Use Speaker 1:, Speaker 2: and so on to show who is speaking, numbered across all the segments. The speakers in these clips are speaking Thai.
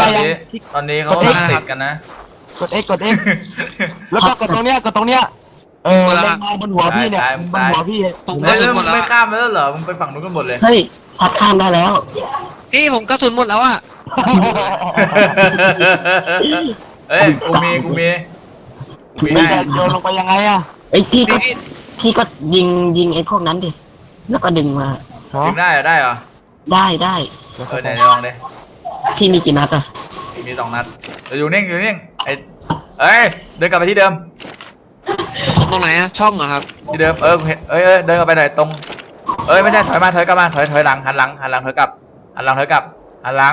Speaker 1: อน
Speaker 2: ยัง
Speaker 1: นี้ตอนนี้เขากำลังติดกันนะ
Speaker 2: กด X กด X แล้วก็กดตรงเนี้ยเล็งมาบนหัวพี่เนี่ยบนหัวพี่
Speaker 3: ผม
Speaker 1: เฮ้
Speaker 3: กระ
Speaker 1: ย
Speaker 3: สุน
Speaker 1: แล้ว
Speaker 3: หม
Speaker 1: มึ
Speaker 3: ด
Speaker 1: ง
Speaker 3: แล้ว
Speaker 1: ไม่
Speaker 3: อะ
Speaker 1: ข้ามไปแล้วเหรอมึงไปฝั่งนู้นกันหมดเลย
Speaker 4: เฮ้ยพัดข้ามได้แล้ว
Speaker 3: พี่ผมกระสุนหมดแล้วอ่ะ
Speaker 1: เฮ้ยกูมี
Speaker 2: มัน
Speaker 1: ให้
Speaker 2: จะโยนลงไปยังไงอะ
Speaker 4: เอ้ยพี่ก็
Speaker 3: พี่
Speaker 4: พี่ก็ยิงไอ้พวกนั้นดิแล้วก็ดึงมา
Speaker 1: ยิงได้เหรอได้เหรอ
Speaker 4: ได้
Speaker 1: ไหนลองดิ
Speaker 4: พี่มีกี่นัดอะ
Speaker 1: มี2 นัดอยู่นิ่งไอ้เอ้ยเดินกลับไปที่เดิม
Speaker 3: ตรงไหนอะช่องเหรอครับ
Speaker 1: ที่เดิมเดินกลับไปหน่อยตรงไม่ใช่ถอยกลับมาถอยหลังหันหลังถอยกลับหันหลัง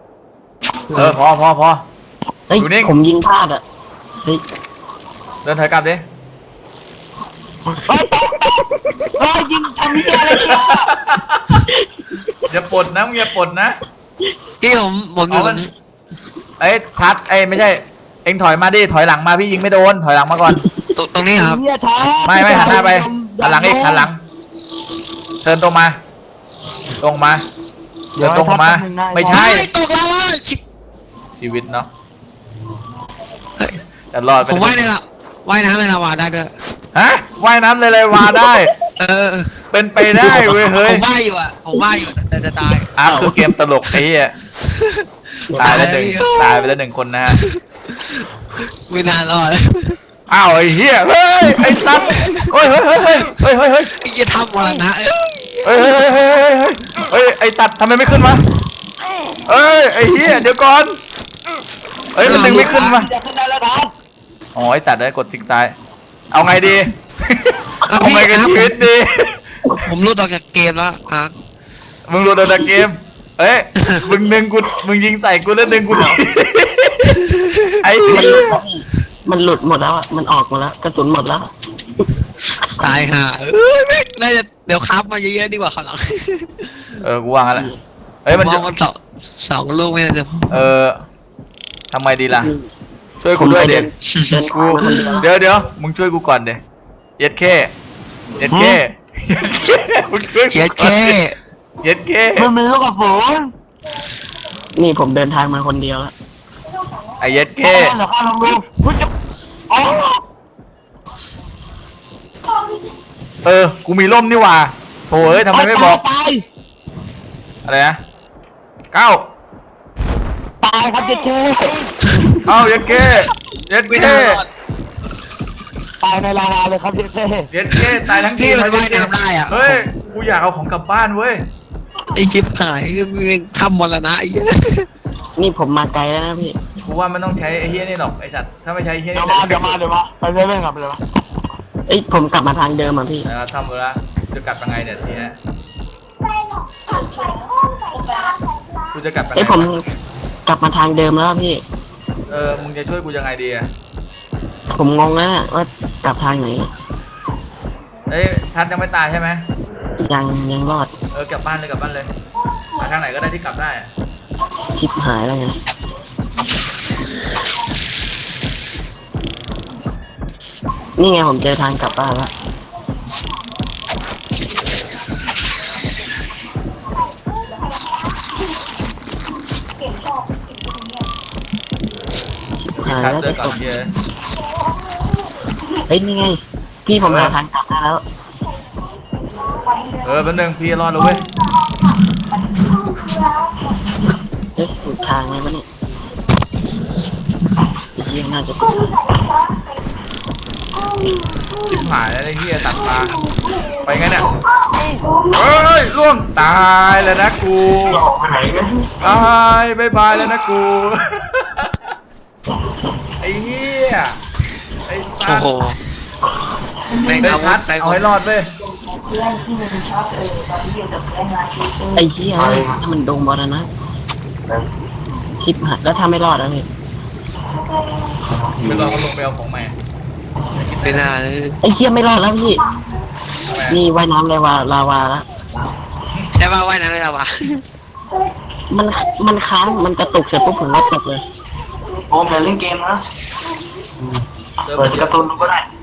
Speaker 1: พอ
Speaker 4: เฮ้ย
Speaker 1: อยู่นิ่ง
Speaker 4: ผมยิงพลาดอะเฮ้ย
Speaker 1: เดินถอยกลับดิ
Speaker 2: เฮ้ยยิงทำเหี้ยอะไรเนี่ย
Speaker 1: อย่าปลดนะมึงอย่าปลดนะ
Speaker 3: พี่ผมอยู่ตรงนี้
Speaker 1: พัดไม่ใช่เอ็งถอยมาดิถอยหลังมาพี่ยิงไม่โดนถอยหลังมาก่อน
Speaker 3: ตรงนี้ครับ
Speaker 2: เหี้ยท้า
Speaker 1: ไม่หันหน้าไปหันหลังอีกหันหลังเดินตรงมาเดินตรงมาไม่ใช่
Speaker 3: ตกแล้วอ่ะชิบ
Speaker 1: ชีวิตเนาะ
Speaker 3: เฮ้ย
Speaker 1: จะรอดไป
Speaker 3: ผมว่ายในละว่ายน้ำในลาวาได้ด้วย
Speaker 1: ฮะว่ายน้ำเลยมาได้
Speaker 3: เออ
Speaker 1: เป็นไปได้เว้ยเฮ้
Speaker 3: ผ
Speaker 1: ย
Speaker 3: มว่ายอยู่อ่ะผมว่ายอยู่แต่จะตาย
Speaker 1: คือเกมตลกไอ้เหี้ยตายไปแล้วหนึ่งคนนะฮะ
Speaker 3: ไม่นานรอด
Speaker 1: อ้าวไอ้เหี้ยเฮ้ยไอ้สัตว์เฮ้ย
Speaker 3: ไอ้จะทำมรณะ
Speaker 1: เฮ้ยไอ้สัตว์ทำไมไม่ขึ้นมาไอ้เหี้ยเดี๋ยวก่อนมันดึงไม่ขึ้นมา
Speaker 2: จะขึ้นได้แล้วท้า
Speaker 1: อ๋อไอ้สัตว์ได้กดทิ้งตายเอาไงดีเอาไงกันชีวิตดี
Speaker 3: ผมรุดออกจากเกมแล้วอ่ะ
Speaker 1: มึงรู้ตัวเกมมึงยิงใส่กูแล้วดึงกูดิไอ้เหี้ย
Speaker 4: มันหลุดหมดแล้วอะมันออกหมดแล้วกระสุนหมดแล้ว
Speaker 3: ตายห่าไม่น่าจะเดี๋ยวครับมาเยอะๆดีกว่าข้างหลัง
Speaker 1: กูวางแล้วมัน
Speaker 3: ม
Speaker 1: จะ
Speaker 3: องมันสองลูกไม่น่าจะพอ
Speaker 1: ทำไมดีล่ะช่วยกูด้วยเด็ก
Speaker 4: เดิน
Speaker 1: กู
Speaker 4: ทางมาคนเดียว
Speaker 1: เดี๋ยวมึงช่วยกูก่อนเด็กเย็ดแค่มึงช่วย
Speaker 3: เชีย
Speaker 1: กู
Speaker 3: แค่
Speaker 1: เย็ดแค่
Speaker 2: มันมีลูกกระสุน
Speaker 4: นี่ผมเดินทางมาคนเดียวแล้ว
Speaker 1: ไอ้เย็ดแค่
Speaker 2: เดี๋ยวข้าลองดูคุณจะอ๋อ
Speaker 1: กูมีร่มนี่หว่าโถ่ทำไมไม่บอก
Speaker 2: ตาย
Speaker 1: อะไรนะก้าว
Speaker 2: ตายครับเจ๊เจ๊
Speaker 1: เย็ดแค่เย็ด
Speaker 3: ไม่
Speaker 1: แค่
Speaker 3: น่ารอด
Speaker 2: ตายในลาวาเลยครับเจ๊เจ๊
Speaker 1: เย็ดแค่ตายทั้งที
Speaker 3: ที่มันว่ายน้ำได้อ่ะ
Speaker 1: เฮ้ยกูอยากเอาของกลับบ้านเว้ย
Speaker 3: ไอชิปหายมึงทำมรณะไอ้เหี้ย
Speaker 4: นี่ผมมาไกลแล้วนะพี่
Speaker 1: กูว่ามันต้องใช้ไอ้เฮี้ยนี่หรอกไอ้สัตว์ถ้าไม่ใช้ไอ้เฮี้ย
Speaker 2: เดี๋
Speaker 1: นี่
Speaker 2: ยวมาไปเรื่อยๆครับไปเลย
Speaker 4: เอ้ยผมกลับมาทางเดิมอ่ะพี่
Speaker 1: ทำเวลาจะกลับยังไงเนี่ยทีนี้กูจะกลับยังไง
Speaker 4: เอ้ยผมกลับมาทางเดิมแล้วอะพี่
Speaker 1: มึงจะช่วยกูยังไงดีอะ
Speaker 4: ผมงงแล้วเนี่ยว่ากลับทางไหน
Speaker 1: ทัดยังไม่ตายใช่ไหม
Speaker 4: ยังรอด
Speaker 1: กลับบ้านเลยมาทางไหนก็ได้ที่กลับได้อะ
Speaker 4: ชิบหายแล้วไงนี่ไงผมเจอทางกลับบ้านแล้วชิบหาย
Speaker 1: ทัด
Speaker 4: แล้ว
Speaker 1: เดิ
Speaker 4: จะ
Speaker 1: นกลั
Speaker 4: ต
Speaker 1: บ
Speaker 4: ก
Speaker 1: เฮีย
Speaker 4: เฮ้ยนี่ไงพี่ผมหาทางกลับได้แล้ว
Speaker 1: แป๊บนึงพี่รอดแล้วเว้ย
Speaker 4: เอ๊ะถูกทางไหมวะเนี่ยเยี่ยน่าจะถูก
Speaker 1: ชิบหายแล้วไอ้เฮียตัดตาไปไงเนี่ยเฮ้ยล่วงตายแล้วนะกูตายบายบายแล้วนะกูไอ้เฮียไอ้สั
Speaker 3: โอ้
Speaker 1: ตว์
Speaker 3: โหแม่ง
Speaker 1: ไอ้
Speaker 3: อาวุ
Speaker 1: ทั
Speaker 3: ธ
Speaker 1: ด
Speaker 3: ใส่
Speaker 1: เอาให้รอดเว้ย
Speaker 4: ไอ้เหี้ยถ้ามันโดนบอลนะชิบหายแล้วถ้าไม่รอดแล้วพี่
Speaker 1: ไปรอเขาลงไปเอาของใหม่
Speaker 3: ไม่น่าเลย
Speaker 4: ไอ้เหี้ยไม่รอดแล้วพี่
Speaker 1: ทำไม
Speaker 4: นี่ว่ายน้ำเลยว่าลาวาแล้ว
Speaker 3: ใช่ป่าวว่ายน้ำในลาวา
Speaker 4: มันค้างมันกระตุกเสร็จปุ๊บผมก็ตกเลย
Speaker 2: โอ้มเดี๋ยวเล่นเกมนะ
Speaker 1: เซิร์ฟ
Speaker 2: เปิดการ์ตูนดูก็ได้